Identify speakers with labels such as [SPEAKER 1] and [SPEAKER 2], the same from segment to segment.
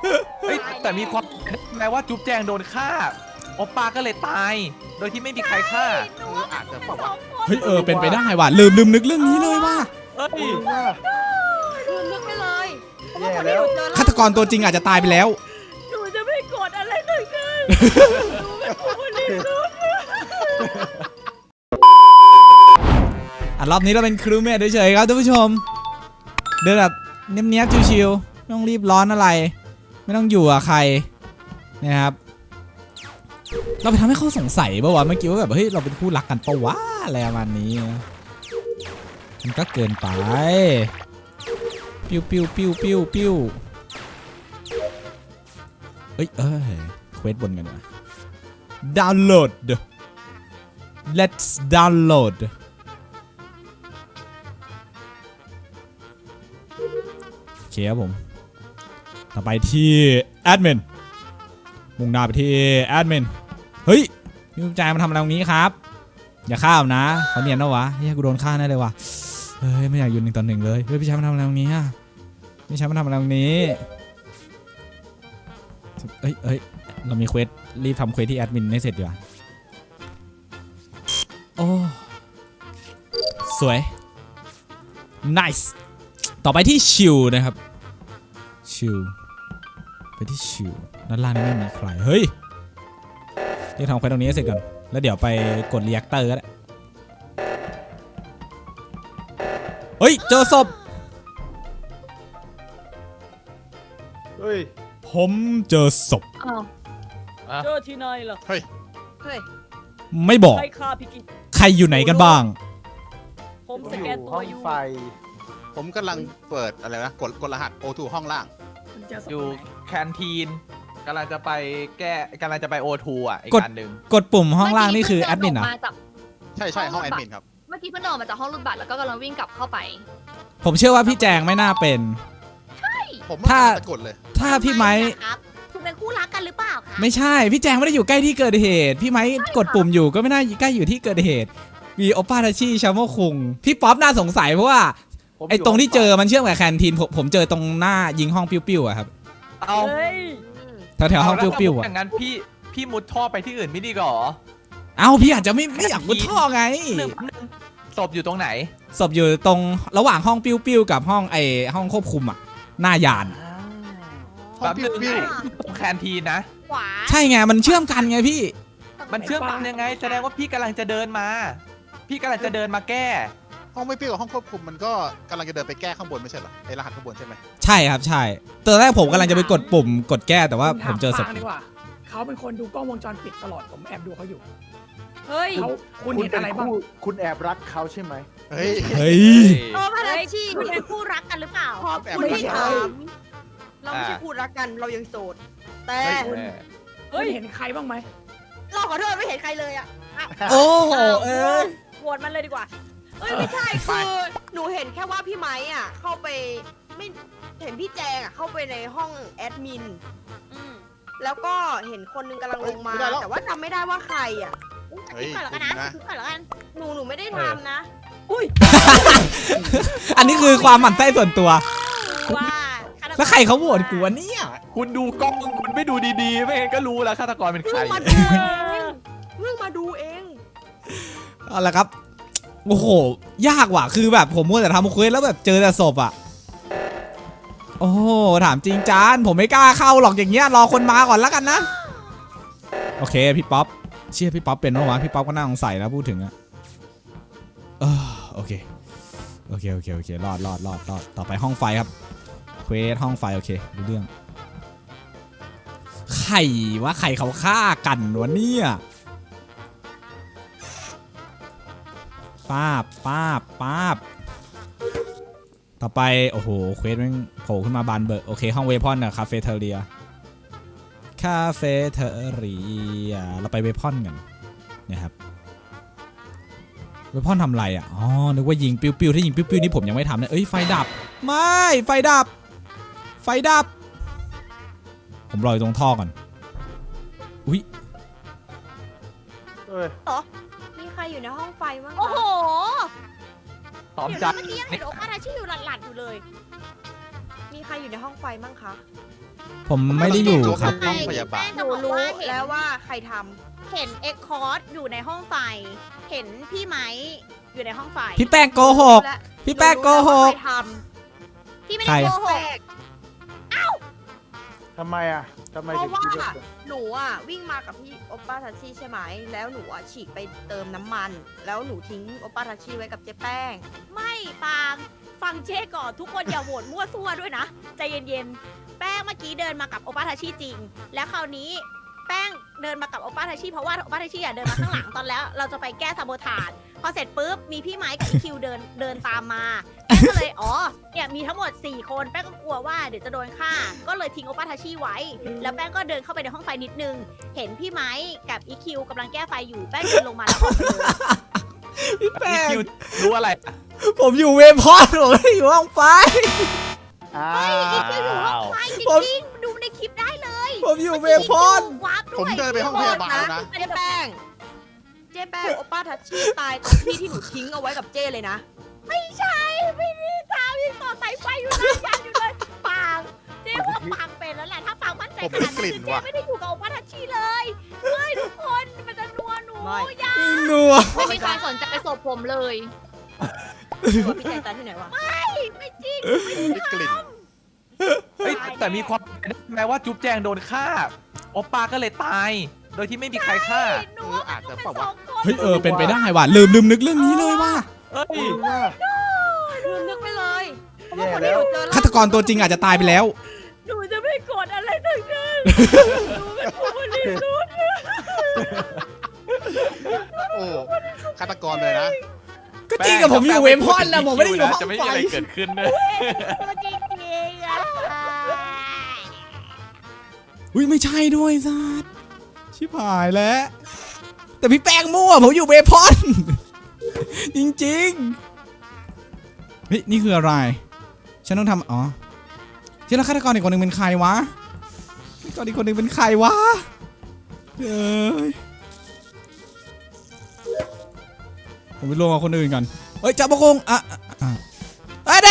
[SPEAKER 1] เฮ้ยแต่มีความแม้ว่าจุ๊บแจงโดนฆ่าโอปป้าก็เลยตายโดยที่ไม่มีใครฆ่า
[SPEAKER 2] อาจจะเปล่าวะ
[SPEAKER 3] เฮ้ยเป็นไปได้ว่ะลืมนึกเรื่องนี้เลยว่ะ
[SPEAKER 1] เฮ้ย
[SPEAKER 4] คือนึกไปเลยเพราะว่า
[SPEAKER 2] แย่
[SPEAKER 4] คน
[SPEAKER 2] แล้
[SPEAKER 4] ที่ห
[SPEAKER 2] ว
[SPEAKER 4] นูเจอ
[SPEAKER 3] ฆาตกรตัวจริงอาจจะตายไปแล้ว
[SPEAKER 4] หนูจะไม่กดอะไรทั้งนั้นหนูเป็นผู้บริสุทธิ์
[SPEAKER 3] รอบนี้เราเป็นครูเมทเฉยๆครับท่านผู้ชมเดินแบบเนี้ยบๆชิวๆไม่ต้องรีบร้อนอะไรไม่ต้องอยู่กับใครนะครับเราไปทำให้เขาสงสัยป่าวะเมื่อกี้ว่าแบบเฮ้ยเราเป็นคู่รักกันปะวะอะไรประมาณนี้มันก็เกินไปปิ้วเอ้ยเควสบนกันวะดาวน์โหลด let's downloadโอเคครับผมต่อไปที่แอดมินมุ่งหน้าไปที่แอดมินเฮ้ยพี่มุกใจมาทำอะไรตรงนี้ครับอย่าฆ่าผมนะเขาเนียนนะวะเฮ้ยกูโดนฆ่าแน่เลยวะเฮ้ยไม่อยากอยู่1-1เลยเฮ้ยพี่ชายมาทำอะไรตรงนี้พี่ชายมาทำอะไรตรงนี้เอ้ยเรามีเควสรีบทำเควสที่แอดมินให้เสร็จดีกว่าโอ้สวย nice ต่อไปที่ชิลนะครับชิลไปที่ชิลด้านล่างนี่ไม่มีใครเฮ้ยเดี๋ยวทำเควสตรงนี้ให้เสร็จก่อนแล้วเดี๋ยวไปกดรีแอคเตอร์ก็ได้เฮ้ยเจอศพ
[SPEAKER 2] เฮ้ย
[SPEAKER 3] ผมเจอศพ
[SPEAKER 4] เจอที่ไหนล่ะ
[SPEAKER 2] เฮ้ย
[SPEAKER 4] เฮ้ย
[SPEAKER 3] ไม่บอก
[SPEAKER 4] ใครฆ่าพี่กิ๊ก
[SPEAKER 3] ใครอยู่ไหนกันบ้าง
[SPEAKER 4] ผมสแกนตัว
[SPEAKER 2] ห้อง
[SPEAKER 4] อยู่
[SPEAKER 2] ไฟ
[SPEAKER 5] ผมกำลังเปิดอะไรนะกดรหัส O2 ห้องล่าง
[SPEAKER 4] คุณเจอศพ
[SPEAKER 1] อยู่
[SPEAKER 4] ไหน
[SPEAKER 1] แคนทีนกำลังจะไปกำลังจะไปโอทูอ่ะอีกอันหนึ่ง
[SPEAKER 3] กดปุ่มห้องล่างนี่คือแอดมินเหรอ
[SPEAKER 5] ใช่ห้องแอดมินครับ
[SPEAKER 6] เมื่อกี้เพิ่งเดินออกมาจากห้องรูดบัตรแล้วก็กำลังวิ่งกลับเข้าไป
[SPEAKER 3] ผมเชื่อว่าพี่แจงไม่น่าเป็น
[SPEAKER 5] ผม
[SPEAKER 3] ถ้า
[SPEAKER 5] กดเลย
[SPEAKER 3] ถ้าพี่ไม้
[SPEAKER 6] ครับคุณเป็นคู่รักกันหรือเปล่าคะ
[SPEAKER 3] ไม่ใช่พี่แจงไม่ได้อยู่ใกล้ที่เกิดเหตุพี่ไม้กดปุ่มอยู่ก็ไม่น่าใกล้อยู่ที่เกิดเหตุมีโอป้าทาชิชาโมคุงพี่ป๊อปน่าสงสัยเพราะว่าไอ้ตรงที่เจอมันเชื่อมกับแคนทีนผมเจอตรงหน้ายิงห้องปิ้วๆอะครับ
[SPEAKER 1] เอา
[SPEAKER 4] เฮ้ย
[SPEAKER 3] แถวๆห้องปิ้วๆ
[SPEAKER 1] อ
[SPEAKER 3] อะ
[SPEAKER 1] ย่างนั้นพี่มุดท่อไปที่อื่นไม่ดีกว่าหรอ
[SPEAKER 3] เอ้าพี่อาจจะไม่อยากมุดท่อไง
[SPEAKER 1] ศพอยู่ตรงไหน
[SPEAKER 3] ศพอยู่ตรงระหว่างห้องปิ้วๆกับห้องห้องควบคุมอะหน้ายาน
[SPEAKER 5] ห้องปิ้วปิ้ว
[SPEAKER 1] ตรงแคนทีนนะ
[SPEAKER 6] ขวา
[SPEAKER 3] ใช่ไงมันเชื่อมกันไงพี่
[SPEAKER 1] มันเชื่อมกันยังไงแสดงว่าพี่กำลังจะเดินมา พี่กำลังจะเดินมาแก้
[SPEAKER 5] ห้องไม่ปิ้วกับห้องควบคุมมันก็กำลังจะเดินไปแก้ข้างบนไม่ใช่เหรอไอรหัสข้างบนใช่ไหม
[SPEAKER 3] ใช่ครับใช่ตอนแรกผมกำลังจะไปกดปุ่มกดแก้แต่ว่าผมเจอศพ
[SPEAKER 7] ดีกว่าเขาเป็นคนดูกล้องวงจรปิดตลอดผมแอบดูเขาอยู่
[SPEAKER 4] เฮ้ย
[SPEAKER 7] เขาคุณ
[SPEAKER 2] คุณ
[SPEAKER 7] เห็น
[SPEAKER 2] เป็น
[SPEAKER 7] อะไรบ้าง
[SPEAKER 2] คู่คุณแอบรักเขาใช่ไหม
[SPEAKER 5] เฮ้ย
[SPEAKER 3] เฮ้ย
[SPEAKER 6] เออพาราชีคุณเป็นคู่รักกันหรือเปล่า
[SPEAKER 4] ขอบคุณที่ถาม เราไม่ใช่คู่รักกันเรายังโสด แต่
[SPEAKER 7] คุณ
[SPEAKER 4] เฮ้ย
[SPEAKER 7] เห็นใครบ้างไหม
[SPEAKER 4] เราขอโทษไม่เห็นใครเลยอ่ะ
[SPEAKER 3] โอ้โห
[SPEAKER 4] โหวตมันเลยดีกว่าเอ้ยไม่ใช่คือหนูเห็นแค่ว่าพี่ไม้อ่ะเข้าไปไม่เห็นพี่แจงอ่ะเข้าไปในห้องแอดมินแล้วก็เห็นคนนึงกำลังลงมา แต่ว่าจำไม่ได้ว่าใครอ่ะ
[SPEAKER 5] เฮ้ย
[SPEAKER 6] ก่อนแล้วกันนะก่อนแล้วกัน
[SPEAKER 4] หนูไม่ได้ทำนะ อุ้ย
[SPEAKER 3] อันนี้คือความหมั่นไส้ส่วนตัว
[SPEAKER 6] ว่า
[SPEAKER 3] แล้วใครเขาโหวตกูวะเนี่ย
[SPEAKER 1] คุณดูกล้องคุณไม่ดูดีๆ ไม่งั้นก็รู้แล้วฆาตกรเป็นใคร
[SPEAKER 4] เพิ่งมาดูเองเพิ่งมาดูเอง
[SPEAKER 3] เอาละครับโอ้โหยากว่ะคือแบบผมมัวแต่ทำเควสแล้วแบบเจอแต่ศพอ่ะโอ้โหถามจริงจานผมไม่กล้าเข้าหรอกอย่างเงี้ยรอคนมาก่อนแล้วกันนะโอเคพี่ป๊อปเชื่อพี่ป๊อปเป็นปะวะพี่ป๊อปก็น่าสงสัยนะพูดถึงอะโอเครอดต่อไปห้องไฟครับเควสห้องไฟโอเคดูเรื่องใครวะใครเขาฆ่ากันวะเนี่ยป้าบต่อไปโอ้โหเควสมันโผล่ขึ้นมาบานเบิกโอเคห้องเวพอนอะคาเฟ่เทเรียเราไปเวพอนกันนะครับเวพอนทำอะไรอ่ะอ๋อนึกว่ายิงปิ้วถ้ายิงปิ้วนี่ผมยังไม่ทำนะเอ้ยไฟดับไม่ไฟดับผมรออยู่ตรงท่อก่อนอุ้ย
[SPEAKER 2] เอ้ย
[SPEAKER 4] มีใครอยู่ในห้องไฟบ้าง
[SPEAKER 6] โอ้โห
[SPEAKER 1] พร้อม
[SPEAKER 6] เดี๋ยว
[SPEAKER 1] จั
[SPEAKER 6] นะ
[SPEAKER 1] ด
[SPEAKER 6] เมื่อกี้ยังเห็นโอปาราชิอยู่หลัดๆอยู่เลย
[SPEAKER 4] มีใครอยู่ในห้องไฟบ้างคะ
[SPEAKER 3] ผมไม่ได้อยู่ครับ
[SPEAKER 5] ห้องพยาบาล
[SPEAKER 4] หนูรู้แล้วว่าใครท
[SPEAKER 6] เห็นเอ็กคอร์ดอยู่ในห้องไฟ เห็นพี่ไม้อยู่ในห้องไฟ
[SPEAKER 3] พี่แป้งโก
[SPEAKER 4] ำ
[SPEAKER 3] หก
[SPEAKER 4] และ
[SPEAKER 3] พี่แป้งโกหก
[SPEAKER 4] ใครท
[SPEAKER 6] พี่ไม่
[SPEAKER 3] ใคร
[SPEAKER 6] ได้โก
[SPEAKER 4] ำ
[SPEAKER 6] ห
[SPEAKER 4] แป
[SPEAKER 6] ก
[SPEAKER 4] ลก
[SPEAKER 2] ทำไมอ่ะทำไม
[SPEAKER 4] เพ
[SPEAKER 2] ถึง
[SPEAKER 4] ราะว่า
[SPEAKER 2] คิดว่า
[SPEAKER 4] หนูอ่ะวิ่งมากับพี่โอป้าทัชชี่ใช่ไหมแล้วหนูอ่ะฉีกไปเติมน้ำมัน แล้วหนูทิ้งโอป้าทัชชี่ไว้กับเจ๊แป้ง
[SPEAKER 6] ไม่ปางฟังเจ๊ก่อนทุกคนอย่าโหวตมั่วซั่วด้วยนะใจเย็นๆแป้งเมื่อกี้เดินมากับโอปาทาชิจริง แล้วคราวนี้แป้งเดินมากับโอปาทาชิเพราะว่าโอปาทาชิเดินมาข้างหลังตอนแล้วเราจะไปแก้ซาโบทาจพอเสร็จปุ๊บมีพี่ไม้กับอีคิวเดินตามมาแป้งก็เลยอ๋อเนี่ยมีทั้งหมด4คนแป้งก็กลัวว่าเดี๋ยวจะโดนฆ่าก็เลยทิ้งโอปาทาชิไว้ แล้วแป้งก็เดินเข้าไปในห้องไฟนิดนึงเห็นพี่ไม้กับอีคิวกำลังแก้ไฟอยู่แป้งเดินลงมาแล้วออกไปเลย
[SPEAKER 3] พี่แป้
[SPEAKER 1] พี่
[SPEAKER 3] ง
[SPEAKER 1] คิวรู้อะไร
[SPEAKER 3] ผมอยู่เวพอดผมไม่ได้อยู่ห้องไฟ
[SPEAKER 2] อ้า
[SPEAKER 6] อีคิวอยู่ห้อง
[SPEAKER 2] ว
[SPEAKER 6] ไฟจ
[SPEAKER 3] ผม
[SPEAKER 6] ริงๆดูในคลิปได้เลย
[SPEAKER 3] ผมอยู่เวพอด
[SPEAKER 6] วาร์ปด้วย
[SPEAKER 5] ผมเดินไปห้องพยาบาลแล้วนะ
[SPEAKER 4] เจ๊แป้งโอป้าทัชชี่ตายตรงที่ที่หนูทิ้งเอาไว้กับเจ้เลยนะ
[SPEAKER 6] ไม่ใช่ไม่ได้ตามยังต่อสายไฟอยู่นะยันอยู่เลยปางเจ๊ว่าปางเป็นแล้วแหละถ้าปางมั่นใจขนาดนั้นคือเจ๊ไม่ได้อยู่กับโอป้าทัชชี่เลยเฮ้ยทุกคนมันจะนัวหนู
[SPEAKER 4] ไม่
[SPEAKER 6] อย่า
[SPEAKER 3] นัว
[SPEAKER 8] ไม่มีใครสนใจศพผมเลย
[SPEAKER 4] ตัวพี่ใจตายที่ไหนวะ
[SPEAKER 6] ไม่จริง
[SPEAKER 5] มีกลิ่น
[SPEAKER 1] เฮ้ยแต่มีความเป็นไปได้ไหมว่าจุ๊บแจงโดนฆ่าโอปาก็เลยตาย โดยที่ไม่มีใครฆ่า
[SPEAKER 6] หนู
[SPEAKER 5] อาจจะ
[SPEAKER 6] เป็น
[SPEAKER 5] เปล่า
[SPEAKER 6] ส
[SPEAKER 5] วะ
[SPEAKER 6] องคน
[SPEAKER 3] เฮ้ยเป็นไปได้ว่ะลืมนึกเรื่องนี้เลยว่ะ
[SPEAKER 1] เอ้ย
[SPEAKER 4] นึกไปเลยเพราะ
[SPEAKER 2] แย่
[SPEAKER 4] ว่าคน
[SPEAKER 2] แล้
[SPEAKER 4] ที่ห
[SPEAKER 2] ว
[SPEAKER 4] นูเจอ
[SPEAKER 3] ฆาตกรตัวจริงอาจจะตายไปแล้ว
[SPEAKER 6] หนูจะไม่กดอะไรทั้งนั้นหนูเป็นผู้บริสุทธิ์
[SPEAKER 5] โอ้ฆาตกรเลยนะ
[SPEAKER 3] ก็จริงกับผมอยู่เวพอดนะผมไม่ได้อยู่ห้อง
[SPEAKER 1] จะไม่
[SPEAKER 3] ไฟ
[SPEAKER 1] มีอะไรเกิดขึ้นเลย
[SPEAKER 6] ตัวจริงๆอะ
[SPEAKER 3] อุ้ยไม่ใช่ด้วยสัสชิบหายแล้ว แต่พี่แป้งมั่วผมอยู่เวพอด จริงๆเฮ้ยนี่คืออะไร ฉันต้องทำอ๋อที่แล้วฆาตกรอีกคนหนึ่งเป็นใครวะฆาตกรอีกคนหนึ่งเป็นใครวะเอ้ยผมไปรวมกับคนอื่นก่อนเฮ้ยจับปะคงเด้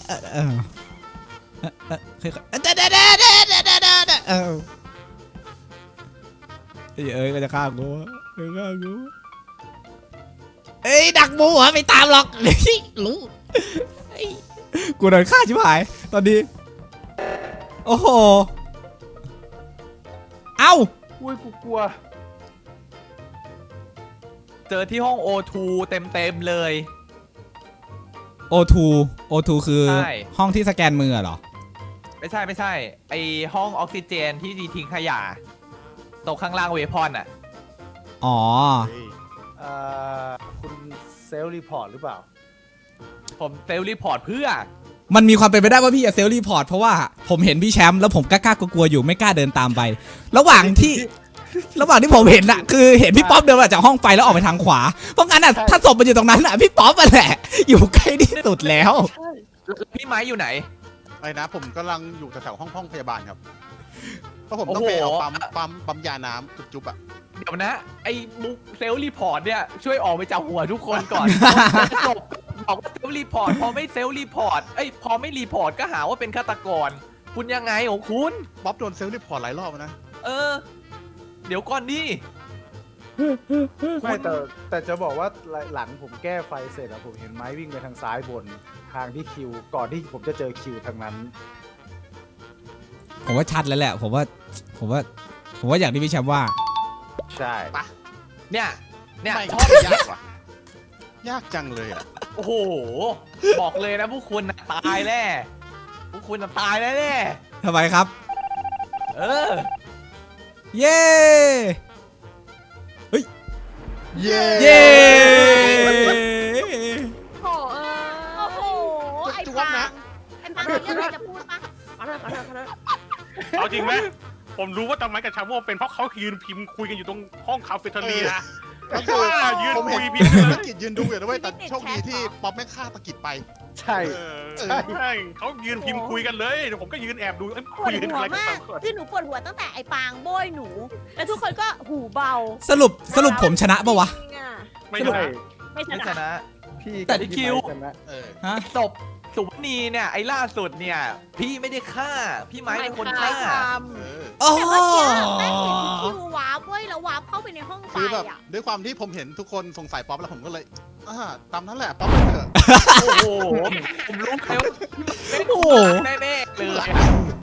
[SPEAKER 3] ก็จะฆ่ากูเอ้ยดักหมูเหรอไม่ตามหรอกรู้กูโดนฆ่าชิบหายตอนนี้โอ้โหเอ้า
[SPEAKER 2] อุ้ยกูกลัว
[SPEAKER 1] เจอที่ห้อง O2 เต็มเลย
[SPEAKER 3] O2 คือ
[SPEAKER 1] ใช่
[SPEAKER 3] ห้องที่สแกนมือเหรอ
[SPEAKER 1] ไม่ใช่ไอห้องออกซิเจนที่ทิ้งขยะตรงข้างล่างเวพอนอ่ะ
[SPEAKER 3] อ๋อ
[SPEAKER 2] เอ่อคุณเซลล์รีพอร์ตหรือเปล่า
[SPEAKER 1] ผมเซลล์รีพอร์ตเพื่อ
[SPEAKER 3] มันมีความเป็นไปได้ว่าพี่จะเซลล์รีพอร์ตเพราะว่าผมเห็นพี่แชมป์แล้วผมกล้ากลัวๆอยู่ไม่กล้าเดินตามไป ระหว่างที่ผมเห็นอะคือเห็นพี่ป๊อปเดินมาจากห้องไฟแล้วออกไปทางขวาเพราะงั้นอะถ้าศพมันอยู่ตรงนั้นอะพี่ป๊อปอะแหละอยู่ใกล้ที่สุดแล้ว
[SPEAKER 1] แล้วพี่ไม้อยู่ไหน
[SPEAKER 5] ไอ้นะผมกำลังอยู่แถวๆห้องพยาบาลครับเพราะผมต้องไปเอาปั๊มยาน้ำจุ๊บๆอ่ะ
[SPEAKER 1] เดี๋ยวนะ ไอ้มุกเซลล์รีพอร์ตเนี่ยช่วยออกไปจากหัวทุกคนก่อน จบบอกว่าเซลล์รีพอร์ตพอไม่เซลล์รีพอร์ตพอไม่รีพอร์ตก็หาว่าเป็นฆาตกร คุณยังไงของคุณ
[SPEAKER 5] ป๊อปโดนเซลล์รีพอร์ตหลายรอบนะ
[SPEAKER 1] เออ เดี๋ยวก่อนดิ
[SPEAKER 2] ไม่แต่จะบอกว่าหลังผมแก้ไฟเสร็จอะผมเห็นไม้วิ่งไปทางซ้ายบนทางที่คิวก่อนที่ผมจะเจอคิวทางนั้น
[SPEAKER 3] ผมว่าชัดแล้วแหละผมว่าอย่างที่พี่แชมป์ว่า
[SPEAKER 2] ใช่
[SPEAKER 1] เนี่ย
[SPEAKER 5] ไม่
[SPEAKER 1] ชอบ
[SPEAKER 5] ยากว่ะยากจังเลยอ่ะ
[SPEAKER 1] โอ้โห บอกเลยนะพวกคุณน่ะตายแน่พวกคุณน่ะตายแน่
[SPEAKER 3] ทำไมครับ
[SPEAKER 1] เออ
[SPEAKER 3] เย้
[SPEAKER 5] เย้
[SPEAKER 3] เย้
[SPEAKER 6] โอ้โหไอ้ปางมีเรื่องอะไรจะพูดปะ
[SPEAKER 4] ขอโทษ
[SPEAKER 9] เอาจริงไหมผมรู้ว่าตอนนั้นกับชาโม่เป็นเพราะเขายืนพิมพ์คุยกันอยู่ตรงห้องคาเฟ่เทอเรีย
[SPEAKER 5] ก็คือ
[SPEAKER 9] ยืน
[SPEAKER 5] ผม
[SPEAKER 9] คุ
[SPEAKER 5] เห็น
[SPEAKER 9] ยพิมพ์กันเลย
[SPEAKER 5] ตะกิดยืนดูอยู่ด้วยแต่โชคดีที่ป๊อปแม่งฆ่าตะกิดไป
[SPEAKER 2] ใช่
[SPEAKER 9] ใช่เขายืนพิมพ์คุยกันเลยเดี๋ยวผมก็ยืนแอบดู
[SPEAKER 6] ปว
[SPEAKER 9] คุย
[SPEAKER 6] ด
[SPEAKER 9] กัน
[SPEAKER 6] หัว
[SPEAKER 9] อะไรกัน
[SPEAKER 6] มาก
[SPEAKER 9] สองคน
[SPEAKER 6] คือหนูปวดหัวตั้งแต่ไอ้ปางโบยหนู แล้วทุกคนก็หูเบา
[SPEAKER 3] สรุปผมชนะปะวะ
[SPEAKER 9] ไม่
[SPEAKER 2] ใช่
[SPEAKER 9] ได้
[SPEAKER 6] ไม่ช
[SPEAKER 1] ไม่ช
[SPEAKER 6] นะ
[SPEAKER 1] นะ
[SPEAKER 2] พี่
[SPEAKER 1] แต่
[SPEAKER 2] กับ
[SPEAKER 1] คิว
[SPEAKER 2] พี่ไม้ชนะ
[SPEAKER 5] เออ
[SPEAKER 3] ฮะ
[SPEAKER 1] ศพสุวรรณีเนี่ยไอ้ล่าสุดเนี่ยพี่ไม่ได้ฆ่าพี่ไม้เป็นคนฆ่า
[SPEAKER 5] เออ
[SPEAKER 3] โอ้
[SPEAKER 6] แต่เมื่อกี้แป้งเห็นพี่คิววาร์ปเว้ยแล้ววาร์ปเข้าไปในห้องไฟ
[SPEAKER 5] คือแบบ
[SPEAKER 6] อ่ะ
[SPEAKER 5] ด้วยความที่ผมเห็นทุกคนสงสัยป๊อปแล้วผมก็เลยตามนั้นแหละป๊อปไปเถอะ
[SPEAKER 1] โอ้โหผมรู้แล้วว่าพี่ไม้เป็นคนฆ่าแน่ๆเลยอะ